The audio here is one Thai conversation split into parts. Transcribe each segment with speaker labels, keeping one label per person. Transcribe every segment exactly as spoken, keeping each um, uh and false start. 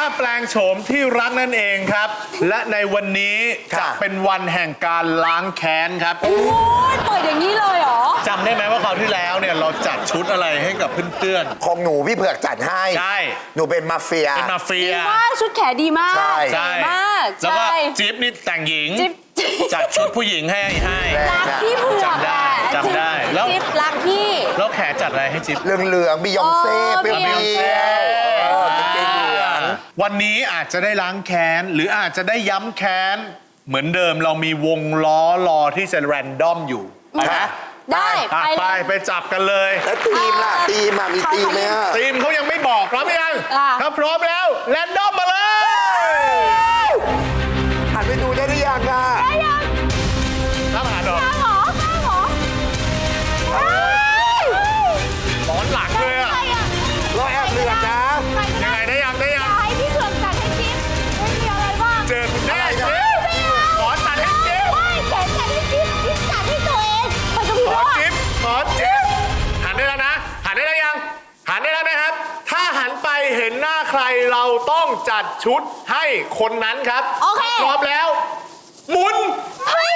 Speaker 1: แปลงโฉมที่รักนั่นเองครับ และในวันนี้จะเป็นวันแห่งการล้างแค้นครับ
Speaker 2: โอ้ยเปิดอย่างนี้เลยเหรอ
Speaker 1: จำได้ไหมว่าคราวที่แล้วเนี่ยเราจัดชุดอะไรให้กับเพื่อน
Speaker 3: ของหนูพี่เผือกจัดให้
Speaker 1: ใช่
Speaker 3: หนูเป็นมาเฟีย
Speaker 1: ๆเป็นมาเฟี
Speaker 2: ดี
Speaker 1: ย
Speaker 2: มากชุดแขนดีมาก
Speaker 3: ใช่
Speaker 1: ใช่
Speaker 2: ดีมาก
Speaker 1: แล้วก็
Speaker 2: ใช่
Speaker 1: จิ๊บนี่แต่งหญิง
Speaker 2: จิ๊บ
Speaker 1: จัดชุดผู้หญิงให้ให้
Speaker 2: รักพี่เผือก
Speaker 1: จำได้
Speaker 2: อะ
Speaker 1: จำได้แล้ว
Speaker 2: จิ๊บรักพี่
Speaker 1: แล้วแขจัดอะไรให้จิ๊บ
Speaker 3: เหลืองๆบิยองเซ่
Speaker 2: เออ
Speaker 3: เปรี้
Speaker 2: บิยองเซ่
Speaker 3: ยวๆเออกางเกงเหลือง
Speaker 1: วันนี้อาจจะได้ล้างแค้น หรืออาจจะได้ย้ำแค้น เหมือนเดิมเรามีวงล้อรอที่จะแรนดอมอยู่ไปไหม
Speaker 2: ได้
Speaker 1: อ่ะ
Speaker 2: ไป
Speaker 1: ไป
Speaker 2: เลย
Speaker 1: ไปจับกันเลย
Speaker 3: แล้วทีมล่ะทีมอ่ะมีทีมไหมอ่ะ
Speaker 1: ทีมเขายังไม่บอกพร้อมหรือยัง
Speaker 2: อ่ะ
Speaker 1: ถ้าพร้อมแล้วแรนดอมมาเลย
Speaker 3: หันไปดูได้หรือยังอ่ะ
Speaker 2: ได้ยัง
Speaker 1: ถ้าผ่านหรอ
Speaker 2: ข้างหรอข้างหรอเฮ้ย
Speaker 1: หมอนหลังเลยอะ
Speaker 2: ใครอะ
Speaker 3: เราแอบเหลือกนะ
Speaker 2: ใครก็
Speaker 1: ยังไงได้ยังได้ยัง
Speaker 2: ให้พี่เผือกจัดให้จิ๊บไม่มีอะไรบ้าง
Speaker 1: เจอคุณแม่จิ๊บขอตัดให้จิ๊บ
Speaker 2: ไม่แขนจัดให้จิ๊บจิ๊บจัดให้ตัวเองมันก็มี
Speaker 1: ขอ
Speaker 2: ว่า
Speaker 1: จิ๊บขอจิ๊บหันได้แล้วนะ หันได้แล้วยัง หันได้แล้วนะครับ ถ้าหันไปเห็นหน้าใครเราต้องจัดชุดให้คนนั้นครับ
Speaker 2: โอเค
Speaker 1: พร้อมแล้ว หมุน
Speaker 2: เฮ้ย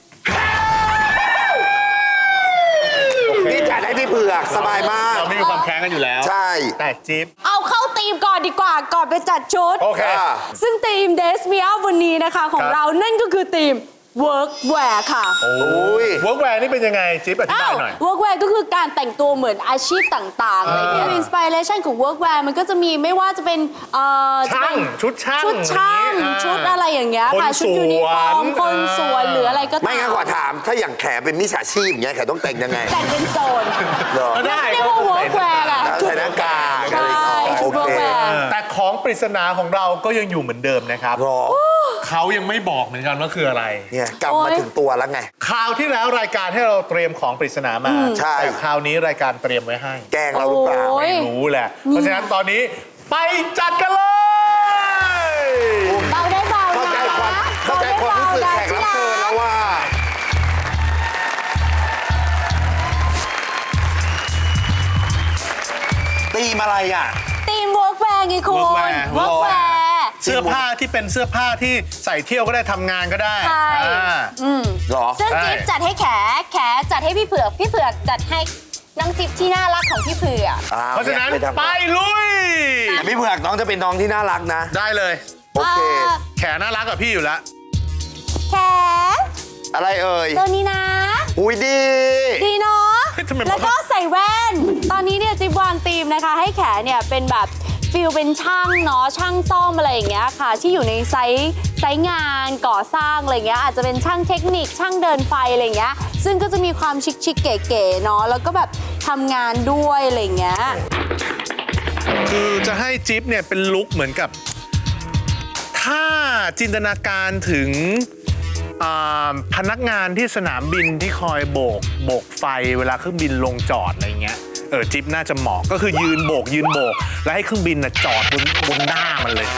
Speaker 3: นี่จัดให้พี่เผือกสบายมาก
Speaker 1: เราไม่มีความแค้นกันอยู่แล้ว
Speaker 3: ใช่
Speaker 1: แต่จิ๊บ
Speaker 2: เอาเข้าธีมก่อนดีกว่าก่อนไปจัดชุด
Speaker 1: โอเค
Speaker 2: ซึ่งธีม Days Me Out วันนี้นะคะของ
Speaker 1: ครับ
Speaker 2: เรานั่นก็คือธีม Workwear ค่ะ
Speaker 1: โอ้
Speaker 3: ย
Speaker 1: เวิร์กแวร์นี่เป็นยังไง จิ๊บอธิบายหน่อย
Speaker 2: Workwear ก็คือการแต่งตัวเหมือนอาชีพต่างๆอะไรเงี้ยอินสปิเรชันของ Workwear มันก็จะมีไม่ว่าจะเป็นเอ่อจะ
Speaker 1: ช่า
Speaker 2: เป็
Speaker 1: ง
Speaker 2: น
Speaker 1: ชุดช่าง
Speaker 2: ชุดช่าง
Speaker 1: อย่างนี้
Speaker 2: ชุดอะไรอย่างเงี้ยค่ะ
Speaker 1: คน
Speaker 2: ชุดยูนิฟอร์ม
Speaker 1: สวน
Speaker 2: คนสวนหรืออะไรก็ตาม
Speaker 3: ไม่งั้นขอถามถ้าอย่างแขเป็นมิจฉาชีพอย่างเงี้ยแขต้องแต่งยังไง
Speaker 2: แต่งเป็นโจร
Speaker 3: เหรอ
Speaker 1: ก็ได้
Speaker 2: เรียกว่า Workwear อะ
Speaker 3: ใส่หน้ากากอะไร
Speaker 2: ใช่
Speaker 3: อย่างเงี้ย
Speaker 2: ชุด
Speaker 3: โอเค
Speaker 2: Workwear
Speaker 1: แต่ของปริศนาของเราก็ยังอยู่เหมือนเดิมนะครับ
Speaker 3: รอ
Speaker 1: เขายังไม่บอกเหมือนกันว่าคืออะไร
Speaker 3: เนี่ยกลับมาถึงตัวแล้วไง
Speaker 1: คราวที่แล้วรายการให้เราเตรียมของปริศนามา
Speaker 3: ใช่
Speaker 1: แต่คราวนี้รายการเตรียมไว้ให้
Speaker 3: แกล้งเราหรือเปล่า
Speaker 2: โอ้ย
Speaker 1: ไม่รู้แหละ เพราะฉะนั้นตอนนี้ไปจัดกันเลย
Speaker 2: เบาได้เบา
Speaker 3: เข้าใจ
Speaker 2: นะ
Speaker 3: ความเข้าใจความรู้สึกแขกรับเชิญแล้วว่า ตีมอะไรอ่ะ
Speaker 2: ธีม Workwear ไงคุณ
Speaker 1: Workwear
Speaker 2: Workwear
Speaker 1: เสื้อผ้าที่เป็นเสื้อผ้าที่ใส่เที่ยวก็ได้ทำงานก็ได้
Speaker 2: ใช่
Speaker 1: อ่า
Speaker 3: หรอ
Speaker 2: ซึ่ง
Speaker 1: ใช่
Speaker 2: จิ๊บจัดให้แข แขจัดให้พี่เผือก พี่เผือกจัดให้น้องจิ๊บที่น่ารักของพี่เผือก
Speaker 3: อ้ว
Speaker 1: เพราะฉะนั้น
Speaker 3: ยทำ
Speaker 1: ไปลุย
Speaker 3: แต่พี่เผือกน้องจะเป็นน้องที่น่ารักนะ
Speaker 1: ได้เลย
Speaker 3: โอเค
Speaker 2: อ่า
Speaker 1: แขน่ารักกับพี่อยู่แล้ว
Speaker 2: แข
Speaker 3: อะไรเอ่ย
Speaker 2: ตัวนี้นะ
Speaker 3: อุ้ยดี
Speaker 2: ดีเนาะ
Speaker 1: เฮ้ยทำไม
Speaker 2: แล้วก็ใส่แว่น ตอนนี้เนี่ยจิ๊บวางธีมนะคะ ให้แขเนี่ยเป็นแบบฟิลเป็นช่างเนาะช่างซ่อมอะไรอย่างเงี้ยค่ะ ที่อยู่ในไซต์ไซต์งานก่อสร้างอะไรเงี้ยอาจจะเป็นช่างเทคนิคช่างเดินไฟอะไรเงี้ยซึ่งก็จะมีความชิคชิคๆเก๋ๆเนาะแล้วก็แบบทำงานด้วยอะไรเงี้ย
Speaker 1: คือจะให้จิ๊บเนี่ยเป็นลุคเหมือนกับ ถ้าจินตนาการถึงอ่าพนักงานที่สนามบินที่คอยโบกโบกไฟเวลาเครื่องบินลงจอดอะไรเงี้ยเออจิ๊บน่าจะเหมาะก็คือยืนโบกยืนโบก แล้วให้เครื่องบินน่ะจอดบนบนหน้ามันเลย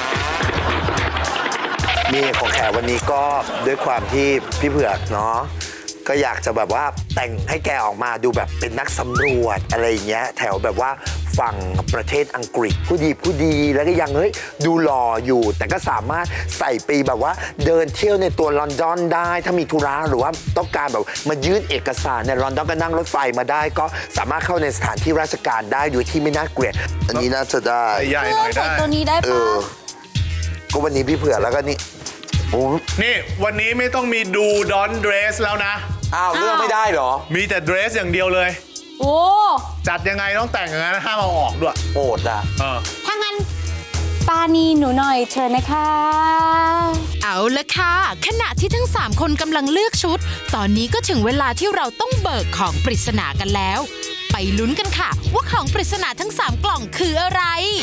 Speaker 3: นี่ของแขวันนี้ก็ด้วยความที่พี่เผือกเนาะก็อยากจะแบบว่าแต่งให้แกออกมาดูแบบเป็นนักสำรวจอะไรอย่างเงี้ยแถวแบบว่าฝั่งประเทศอังกฤษผู้ดีผู้ดีแล้วก็ยังเฮ้ยดูหล่ออยู่ แต่ก็สามารถใส่ปีแบบว่าเดินเที่ยวในตัวลอนดอนได้ถ้ามีธุระหรือว่าต้องการแบบมายื่นเอกสารในลอนดอนก็นั่งรถไฟมาได้ ก็สามารถเข้าในสถานที่ราชการได้โดยที่ไม่น่าเกลียดอันนี้น่าจะได้
Speaker 1: ใหญ่หน่อย
Speaker 2: ใส่
Speaker 1: ได้
Speaker 2: ตัวนี้ได้
Speaker 3: เอ
Speaker 2: ปะ
Speaker 3: อก็วันนี้พี่เผือกแล้วก็นี่โอ้
Speaker 1: นี่วันนี้ไม่ต้องมีดูดอนเดรสแล้วนะ
Speaker 3: อ้าวเลือกไม่ได้เหรอ
Speaker 1: มีแต่เดรสอย่างเดียวเลย
Speaker 2: โอ้
Speaker 1: จัดยังไงต้องแต่งอย่างนั้นห้ามเอาออกด้วย
Speaker 3: โอดอ่ะ
Speaker 1: เออ
Speaker 2: ถ้างั้นปานีหนูหน่อยเชิญนะคะ
Speaker 4: เอาละค่ะ ขณะที่ทั้งสามคนกำลังเลือกชุด ตอนนี้ก็ถึงเวลาที่เราต้องเบิกของปริศนากันแล้ว ไปลุ้นกันค่ะ ว่าของปริศนาทั้งสามกล่องคืออะไร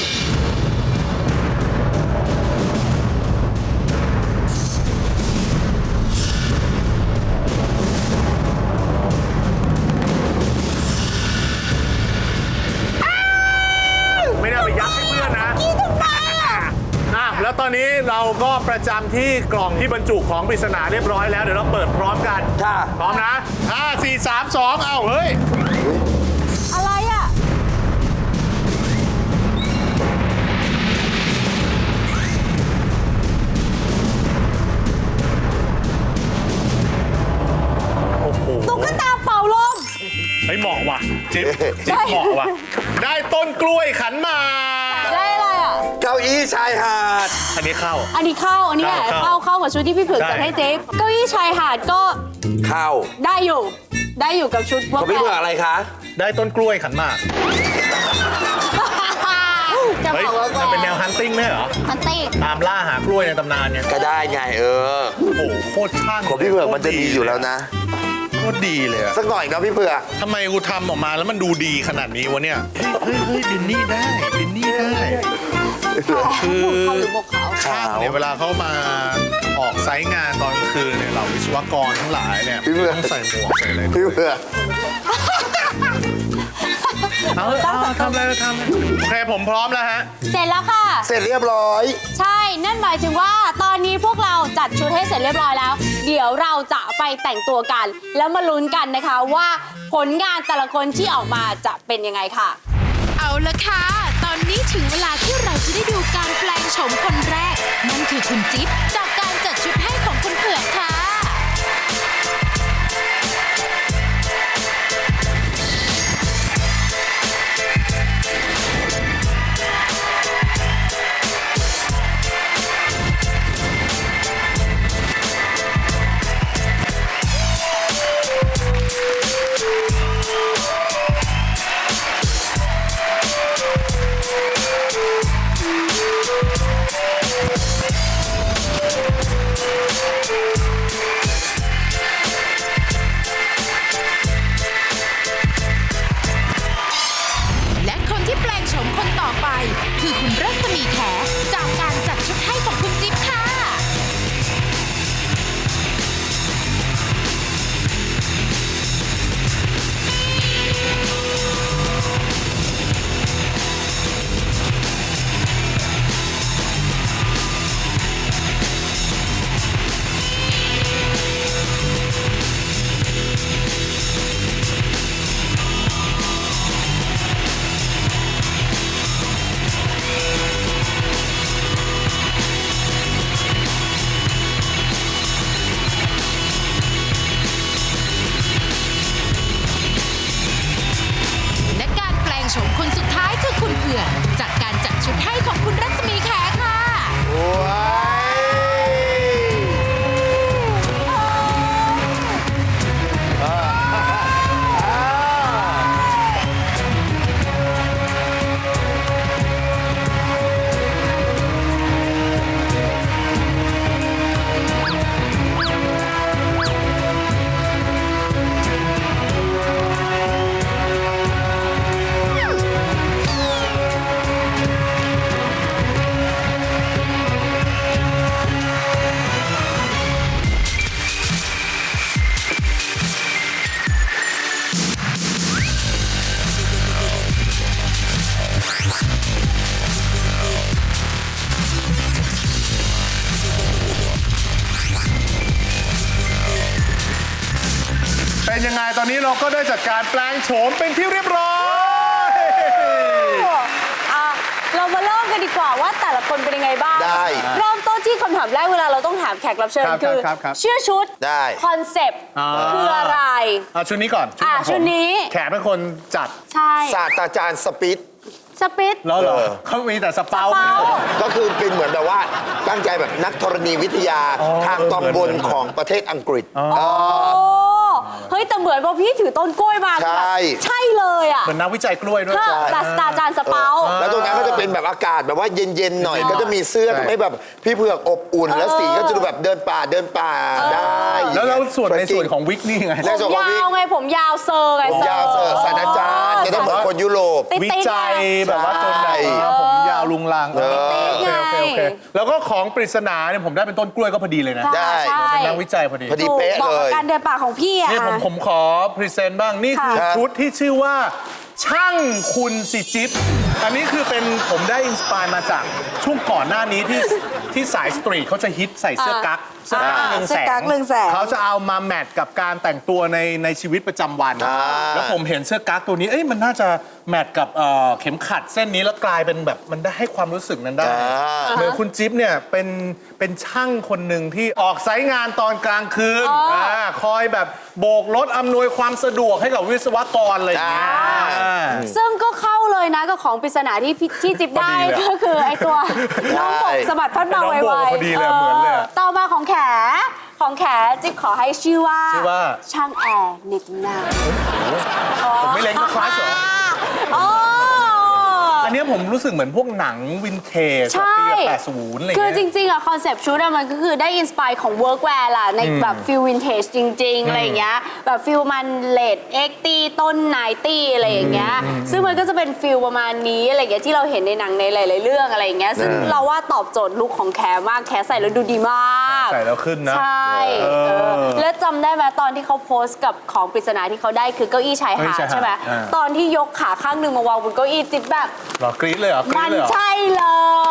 Speaker 1: ไม่ได้เอาไปยัดให้เพื่อนนะอ่ะแล้วตอนนี้เราก็ประจำที่กล่องที่บรรจุของปริศนาเรียบร้อยแล้ว เดี๋ยวเราเปิดพร้อมกัน
Speaker 3: ค่ะ
Speaker 1: พร้อมนะห้า สี่ สาม สอง เอ้า เฮ้ย
Speaker 2: อะไรอ่ะ
Speaker 1: จิ๊บจิ๊บเหมาะว่ะได้ต้นกล้วยขันหมาก
Speaker 2: ได้อะไรอ่ะ
Speaker 3: เก้าอี้ชายหาด
Speaker 1: อันนี้เข้า
Speaker 2: อันนี้เข้า อันนี้แหละ
Speaker 1: เข้า
Speaker 2: เข้าเข้ากับชุดที่พี่เผือก
Speaker 1: ได้
Speaker 2: จัดให้เจ๊เก้าอี้ชายหาดก็
Speaker 3: เข้า
Speaker 2: ได้อยู่ ได้อยู่กับชุด
Speaker 3: ข
Speaker 2: ว่า
Speaker 3: องพี่เผือกอะไรคะ
Speaker 1: ได้ต้นกล้วยขันหมาก
Speaker 2: จะ
Speaker 1: เฮ้ย
Speaker 2: บอกว่า
Speaker 1: มันเป็นแนวฮันติ้งไหมเหรอ
Speaker 2: ฮันติ้ง
Speaker 1: ตามล่าหากล้วยในตำนานเนี่ย
Speaker 3: ก็ได้ไงเออ
Speaker 1: โอ้โหโคตรช่าง
Speaker 3: ของพี่เผือกมันจะดีอยู่แล้วนะ
Speaker 1: โคตรดีเลยอะ
Speaker 3: สักหน่อยเนาะพี่เผือก
Speaker 1: ทำไมกูทำออกมาแล้วมันดูดีขนาดนี้วะเนี่ย เฮ้ยเฮ้ยบินนี่ได้บินนี่ได้ คือ
Speaker 2: เขาหรือบอกเขา
Speaker 1: ช่างเนี่ยเวลาเขามาออกไซต์งานตอนกลางคืนเนี่ยเราวิศวกรทั้งหลายเนี่ย
Speaker 3: พี่เผือก
Speaker 1: ต้องใส่หมวกใส่อะไร
Speaker 3: พี่เผือก
Speaker 1: เอาเอาทำอะไรทำเลยโอเคผมพร้อมแล้วฮะ
Speaker 2: เสร็จแล้วค่ะ
Speaker 3: เสร็จเรียบร้อย
Speaker 2: ใช่ นั่นหมายถึงว่าตอนนี้พวกเราจัดชุดให้เสร็จเรียบร้อยแล้ว เดี๋ยวเราจะไปแต่งตัวกัน แล้วมาลุ้นกันนะคะว่าผลงานแต่ละคนที่ออกมาจะเป็นยังไงค่ะ
Speaker 4: เอาละค่ะ ตอนนี้ถึงเวลาที่เราจะได้ดูการแปลงโฉมคนแรก นั่นคือคุณจิ๊บจากการจัดชุดให้ของคุณเผือกค่ะ และคนที่แปลงโฉมคนต่อไป คือคุณรัศมีแขจากการจัดชุดให้ของคุณจิ๊บค่ะ และการแปลงโฉมคนสุดท้ายคือคุณเผือกจากการจัดชุดให้ของคุณรัศมีแขค่ะ
Speaker 3: ว้าย
Speaker 1: เป็นยังไงตอนนี้เราก็ได้จัดการแปลงโฉมเป็นที่เรียบร้อย
Speaker 2: อ่ะเรามาเริ่มกันดีกว่าว่าแต่ละคนเป็นยังไงบ้าง
Speaker 3: ได้
Speaker 2: เริ่มต้นที่คำถามแรกเวลาเราต้องถามแขกรับเชิญ
Speaker 1: ครับ
Speaker 2: คือ
Speaker 1: ครับครับ
Speaker 2: ชื่อชุด
Speaker 3: ได้
Speaker 2: คอนเซปต์
Speaker 1: อ่า
Speaker 2: คืออะไร
Speaker 1: เอาชุดนี้ก่อน
Speaker 2: อ่ะ
Speaker 1: ของผม
Speaker 2: ชุดนี้
Speaker 1: แขกเป็นคนจัด
Speaker 2: ใช่
Speaker 3: ศาสตราจารย์สปิด
Speaker 2: สปิด
Speaker 1: แล้วเหรอ
Speaker 3: เออ
Speaker 1: เขามีแต่สเปา
Speaker 2: สเปา
Speaker 3: ก็คือเป็นเหมือนแบบว่าตั้งใจแบบนักธรณีวิทยา
Speaker 1: อ๋อ
Speaker 3: ทางตอนบนของประเทศอังกฤษ
Speaker 2: โอ้เฮ้ยแต่เหมือนพอพี่ถือต้นกล้วยมา
Speaker 3: ใช่
Speaker 2: ใช่เลยอ่ะ
Speaker 1: เหมือนนักวิจัยกล้วยด้วย
Speaker 2: ค่ะศาสตราจารย์สเปา
Speaker 3: แล้วตรงนั้นก็จะเป็นแบบอากาศแบบว่าเย็นๆหน่อย ก็จะมีเสื้อ
Speaker 1: ใช่
Speaker 3: ทำให้แบบพี่เผือกอบอุ่น แล้วสีก็จะดูแบบเดินป่าเดินป่าได้
Speaker 1: แล้วแล้วส่วนในส่วนของวิกนี่ไง
Speaker 3: ใน
Speaker 2: ผ
Speaker 3: ส่วน
Speaker 2: ม
Speaker 3: ของวิ
Speaker 2: ยาวไงผมยาวเซอร์ไง
Speaker 3: ผมยาวเสิร์ฟศาสตราจารย์จะต้องเหมือนคนยุโรป
Speaker 2: ติ๊ก
Speaker 1: วิ
Speaker 2: ติ๊ก
Speaker 1: จัยแบบว่าจนแบบ
Speaker 3: ใช่
Speaker 1: เออผมยาวลุงลัง
Speaker 3: เออ
Speaker 1: โอเคโอเคโอเค
Speaker 2: ไง
Speaker 1: แล้วก็ของปริศนาเนี่ยผมได้เป็นต้นกล้วยก็พอดีเลยนะ
Speaker 2: ค่ะ
Speaker 3: ได้
Speaker 2: ใช่
Speaker 1: เป็นนักวิจัยพอดี
Speaker 3: พอดี
Speaker 2: ถูก
Speaker 3: เป๊ะ
Speaker 2: บอก
Speaker 3: เล
Speaker 2: กับ
Speaker 3: ย
Speaker 2: การเดินป่าของพี่อะ
Speaker 1: นี่ผมผมขอพรีเซนต์บ้าง นี่คือ
Speaker 3: ครับ
Speaker 1: ชุดที่ชื่อว่า ช่างคุณสิจิ๊บอันนี้คือเป็นผมได้อินสปายมาจากช่วงก่อนหน้านี้ที่ที่สายสตรีทเขาจะฮิตใส่เสื้อกั๊กเสื้อกั๊กเรือง
Speaker 2: เสื้
Speaker 1: แส
Speaker 2: อกั๊
Speaker 1: ง
Speaker 2: กเรืองแสง
Speaker 1: เขาจะเอามาแมทกับการแต่งตัวในในชีวิตประจำวัน แล้วผมเห็นเสื้อกั๊กตัวนี้เอ้ยมันน่าจะแมทกับเอ่อเข็มขัดเส้นนี้แล้วกลายเป็นแบบมันได้ให้ความรู้สึกนั้นได้เหมือนคุณจิ๊บเนี่ยเป็นเป็นช่างคนหนึ่งที่ออกไซต์งานตอนกลางคืนาคอยแบบโบกรถอำนวยความสะดวกให้กับวิศวกรอะไรอย่างเงี้ยอ่า
Speaker 2: ซึ่งก็เข้าเลยนะกับของปริศนาที่พี่ที่จิ๊บได้
Speaker 1: พอดีเลย
Speaker 2: ก็คือไอตัวน้องบกสะบัดพัดมา
Speaker 1: น้อง
Speaker 2: ไว
Speaker 1: โบก
Speaker 2: ๆ
Speaker 1: พอดีเลยเหมือนเลยอะ
Speaker 2: ต่อมาของแขของแขจิ๊บขอให้ชื่อว่า
Speaker 1: ชื่อว่า
Speaker 2: ช่างแอร์เน็ตนา
Speaker 1: ผมไม่เล็งก็คลาสเหรอ
Speaker 2: อ๋อ
Speaker 1: อันเนี้ยผมรู้สึกเหมือนพวกหนังวินเทจ
Speaker 2: ใช่
Speaker 1: ปีแปดสิบอะไร
Speaker 2: คือ
Speaker 1: เงี้ย
Speaker 2: จริงๆอะคอนเซปต์ชุดอะมันก็คือได้อินสปายของเวิร์กแวร์ล่ะ ในแบบฟิลวินเทจจริง ๆ อะไรอย่างเงี้ยแบบฟิลมันเลดเอ็กตี้ต้นไนตี้อะไรอย่างเงี้ยซึ่งมันก็จะเป็นฟิลประมาณนี้อะไรอย่างเงี้ยที่เราเห็นในหนังในหลาย ๆ เรื่องอะไรอย่างเงี้ยซึ่งเราว่าตอบโจทย์ลุคของแคร์มากแคร์ใส่แล้วดูดีมาก
Speaker 1: ใส่แล้วขึ้นนะ
Speaker 2: ใช่
Speaker 1: เออ
Speaker 2: เออแล้วจำได้ไหมตอนที่เขาโพสต์กับของปริศนาที่เขาได้คือเก้าอี้ชายหาด
Speaker 1: เก้าอี้ชายหาด
Speaker 2: ใช่ไหม
Speaker 1: อ่า
Speaker 2: ตอนที่ยกขาข้างหนึ่งมาวางบนเก้าอี้จิ๊บแบบ
Speaker 1: เหรอกรี๊ดเลยเหรอกรี๊
Speaker 2: มั
Speaker 1: ด
Speaker 2: น
Speaker 1: เลยเหรอ
Speaker 2: ใช่เลย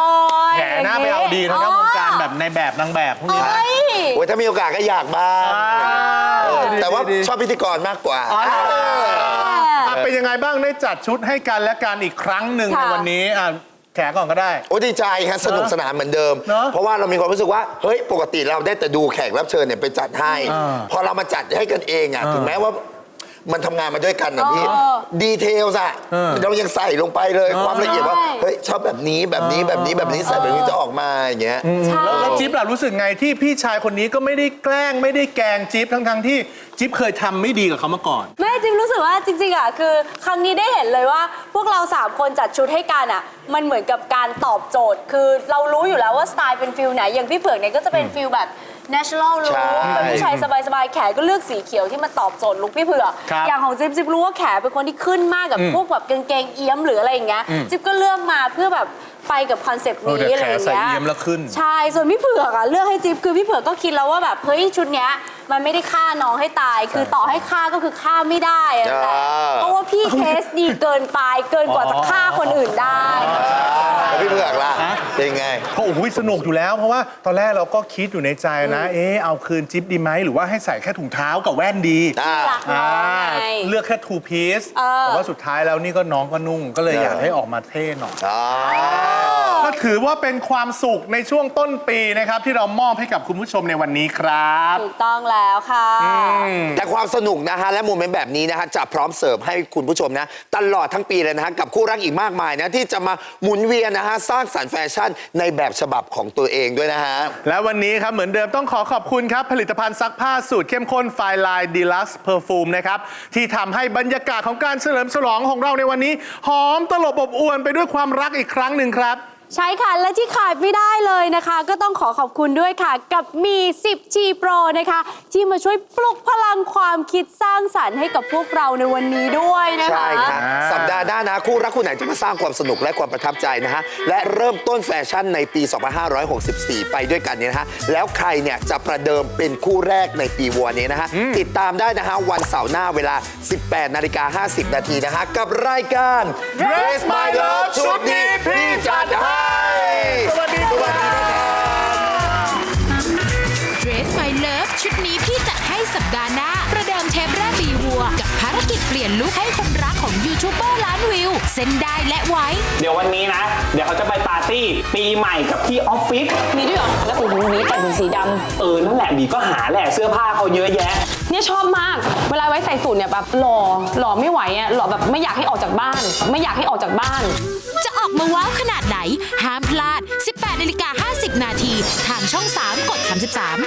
Speaker 1: แหมหน้าไปเอาดีทางด้านวงการแบบในแบบนางแบบพวกนี้นะ
Speaker 2: เอ้ย
Speaker 3: โอ้ยถ้ามีโอกาสก็อยากบ้าง
Speaker 1: อ่า
Speaker 3: เออแต่ว่า
Speaker 1: ดีๆ
Speaker 3: ชอบพิธีกรมากกว่า
Speaker 1: อ่ะเป็นยังไงบ้างได้จัดชุดให้กันและกันอีกครั้งหนึ่งใน
Speaker 2: ค่ะ
Speaker 1: วันนี้อ่ะแขกก่อนก็ได้
Speaker 3: โอ้ดีใจฮะสนุกสนานเหมือนเดิม
Speaker 1: เนอะ
Speaker 3: เพราะว่าเรามีความรู้สึกว่า เฮ้ย ปกติเราได้แต่ดูแขกรับเชิญเนี่ยไปจัดให้
Speaker 1: อ่า
Speaker 3: พอเรามาจัดให้กันเองอ่ะ ถึงแม้ว่ามันทำงานมาด้วยกันนะพี่
Speaker 2: เออ
Speaker 3: ดีเทลอะ
Speaker 1: เออ
Speaker 3: เรายังใส่ลงไปเลย
Speaker 1: เออ
Speaker 3: ความละเอียดว่า
Speaker 2: ใช่
Speaker 3: เฮ้ย ชอบแบบนี้แบบนี้แบบนี้แบบนี้ใส่แบบนี้จะออกมาอย่างเงี้ย
Speaker 2: ใช่
Speaker 1: แล้วแล้วจิ๊บล่ะรู้สึกไงที่พี่ชายคนนี้ก็ไม่ได้แกล้งไม่ได้แกล้งจิ๊บทั้งๆที่จิ๊บเคยทำไม่ดีกับเขามาก่อน
Speaker 2: แม่จริงรู้สึกว่าจริงๆอ่ะคือครั้งนี้ได้เห็นเลยว่า พวกเราสามคนจัดชุดให้กันอ่ะมันเหมือนกับการตอบโจทย์ คือเรารู้อยู่แล้วว่าสไตล์เป็นฟิลไหนอย่างพี่เผือกเนี่ยก็จะเป็นฟิลแบบ natural
Speaker 3: ใช่
Speaker 2: look เป็นผู้ชายสบายๆแขก็เลือกสีเขียวที่มันตอบโจทย์ลุคพี่เผือก
Speaker 1: ครับ
Speaker 2: อย่างของจิ๊บจิ๊บรู้ว่าแขเป็นคนที่ขึ้นมากกับพวกแบบกางเกงเอี้ยมหรืออะไรอย่างเงี้ยจิ๊บก็เลือกมาเพื่อแบบไปกับคอนเซปต์
Speaker 1: เออ
Speaker 2: นี้
Speaker 1: เดี๋ยว
Speaker 2: อะไรอย่างเงี้ย
Speaker 1: แขใส่เอี้ยมแล้วขึ้น
Speaker 2: ใช่ ส่วนพี่เผือกอ่ะเลือกให้จิ๊บคือพี่เผือกก็คิดแล้วว่าแบบเฮ้ยชุดเนี้ยมันไม่ได้ฆ่าน้องให้ตาย คือต่อให้ฆ่าก็คือฆ่าไม่ได้อะแต่
Speaker 3: อ่า
Speaker 2: เพราะว่าพี่เทสดีเกินไปเกินกว่าจะฆ่าคนอื่นได้
Speaker 3: แล้วพี่เผือกล่ะ
Speaker 1: ฮะ
Speaker 3: เป็นไง
Speaker 1: ก็โอ้โหสนุกอยู่แล้ว เพราะว่าตอนแรกเราก็คิดอยู่ในใจนะ เอ๊ะเอาคืนจิ๊บดีไหมหรือว่าให้ใส่แค่ถุงเท้ากับแว่นดี
Speaker 3: อ่า
Speaker 2: รักน้องไง
Speaker 1: เลือกแค่ two piece
Speaker 2: เออ
Speaker 1: แต่ว่าสุดท้ายแล้วนี่ก็น้องก็นุ่งก็เลย
Speaker 3: เออ
Speaker 1: อ
Speaker 3: อ
Speaker 1: ยากให้ออกมาเท่หน่อย
Speaker 3: อ๋อ
Speaker 1: ก็ถือว่าเป็นความสุขในช่วงต้นปีนะครับ ที่เรามอบให้กับคุณผู้ชมในวันนี้ครับ
Speaker 2: ถูกต้องแล้วค่ะ
Speaker 3: แต่ความสนุกนะฮะและโมเมนต์แบบนี้นะฮะจะพร้อมเสิร์ฟให้คุณผู้ชมนะตลอดทั้งปีเลยนะฮะกับคู่รักอีกมากมายนะที่จะมาหมุนเวียนนะฮะสร้างสรรค์แฟชั่นในแบบฉบับของตัวเองด้วยนะฮะ
Speaker 1: และวันนี้ครับเหมือนเดิมต้องขอขอบคุณครับ ผลิตภัณฑ์ซักผ้าสูตรเข้มข้นไฟลายดีลักซ์เพอร์ฟูมนะครับที่ทำให้บรรยากาศของการเฉลิมฉลองของเราในวันนี้ หอมตลบอบอวนไปด้วยความรักอีกครั้งหนึ่งครับ
Speaker 2: ใช่ค่ะ และที่ขาดไม่ได้เลยนะคะ ก็ต้องขอขอบคุณด้วยค่ะ กับมี สิบ จี Pro นะคะ ที่มาช่วยปลุกพลังความคิดสร้างสรรค์ให้กับพวกเราในวันนี้ด้วยนะคะ
Speaker 3: ใช่ครับ
Speaker 1: อ่า
Speaker 3: สัปดาห์หน้านะคู่รักคู่ไหนจะมาสร้างความสนุกและความประทับใจนะฮะและเริ่มต้นแฟชั่นในปี สองพันห้าร้อยหกสิบสี่ ไปด้วยกันเนี่ยนะฮะแล้วใครเนี่ยจะประเดิมเป็นคู่แรกในปีวัวนี้นะฮะติดตามได้นะฮะวันเสาร์หน้าเวลา สิบแปดนาฬิกาห้าสิบนาทีนะฮะกับรายการ Dress My Love ชุดนี้พี่จัดให้สวัสดีสวัสดีนะครับ
Speaker 4: Dress My Love ชุดนี้พี่จัดให้สัปดาห์หน้า ประเดิมเทปแรกปีวัว กับภารกิจเปลี่ยนลุคให้คนรักของยูทูบเบอร์ล้านวิว เส้นได้และไว้
Speaker 5: เดี๋ยววันนี้นะ เดี๋ยวเขาจะไปปาร์ตี้ปีใหม่กับที่ออฟฟิศ
Speaker 6: มีด้วยเหรอ แล้วโอ้โหนี้แต่งเป็นสีด
Speaker 5: เออ นั่นแหละบีก็หาแหละเสื้อผ้าเขาเยอะแยะ
Speaker 6: ำเนี่ยชอบมาก เวลาไว้ใส่สูทเนี่ยแบบหล่อ หล่อไม่ไหวอ่ะ หล่อแบบไม่อยากให้ออกจากบ้าน ไม่อยากให้ออกจากบ้าน
Speaker 4: จะออกมาว้าวขนาดไหน ห้ามพลาด สิบแปดนาฬิกาห้าสิบนาที ทางช่อง สาม กด สามสิบสาม